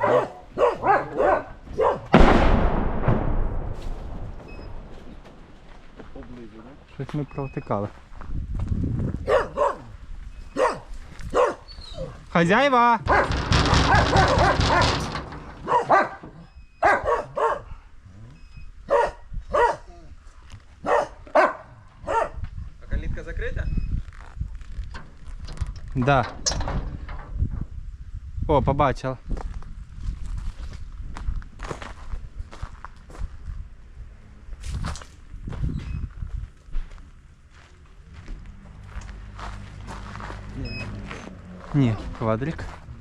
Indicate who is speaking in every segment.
Speaker 1: Щось ми провтикали. Хазяїва!
Speaker 2: А калитка закрита?
Speaker 1: Да. О, побачила. Ні, квадрик.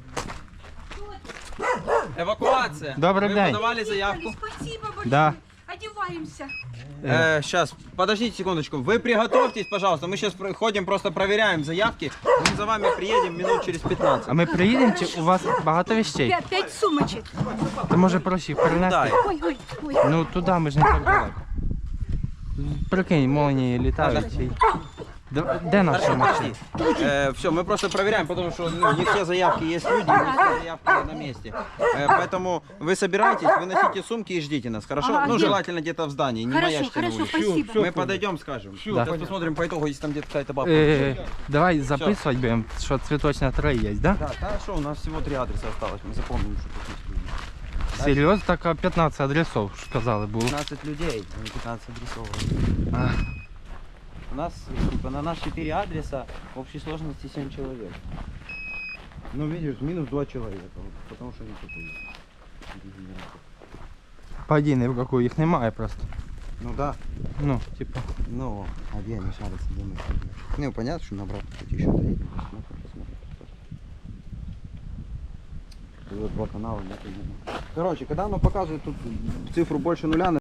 Speaker 2: Эвакуация.
Speaker 1: Добрый
Speaker 2: Вы
Speaker 1: день.
Speaker 2: подавали заявку?
Speaker 3: Спасибо большое.
Speaker 1: Да.
Speaker 3: Одеваемся.
Speaker 2: Сейчас, подождите секундочку. Вы приготовьтесь, пожалуйста. Мы сейчас ходим, просто проверяем заявки. Мы за вами приедем минут через 15.
Speaker 1: А ми приїдемо чи у вас багато вещей?
Speaker 3: Пять сумочек.
Speaker 1: То може проще їх перенести?
Speaker 2: Дай.
Speaker 3: Ой.
Speaker 1: Ну туди ми ж не так далеко. Прикинь, молнії літають. Де наша машина?
Speaker 2: Все, мы просто проверяем, потому что не все заявки есть люди, не все заявки на месте. Поэтому вы собираетесь, выносите сумки и ждите нас, хорошо?
Speaker 3: Ага,
Speaker 2: Ну,
Speaker 3: где?
Speaker 2: желательно где-то в здании, не
Speaker 3: Хорошо,
Speaker 2: маячьте на
Speaker 3: хорошо,
Speaker 2: улице.
Speaker 3: спасибо.
Speaker 2: Мы подойдем, скажем.
Speaker 1: Да.
Speaker 2: Сейчас посмотрим по итогу, если там где-то какая-то бабка.
Speaker 1: Давай записувати будемо, що цвіточна 3 є, да?
Speaker 2: Да, хорошо, у нас всего 3 адреса осталось, мы запомним, что тут есть люди.
Speaker 1: Серйозно? Так, а 15 адресов, сказали, було.
Speaker 2: 15 людей, а не 15 адресов.
Speaker 1: А,
Speaker 2: У нас, типа, на нас 4 адреса, в общей сложности 7 человек. Ну, видишь, минус 2 человека, потому что они такие.
Speaker 1: Пойди, ні в яку їх немає просто.
Speaker 2: Ну да.
Speaker 1: Ну, типа.
Speaker 2: Ну, а где они шарятся, думаю. Ну, понятно, что на обратном пути еще доедем. Посмотрим. Тут 2 канала, нет, короче, когда оно показывает тут цифру больше нуля,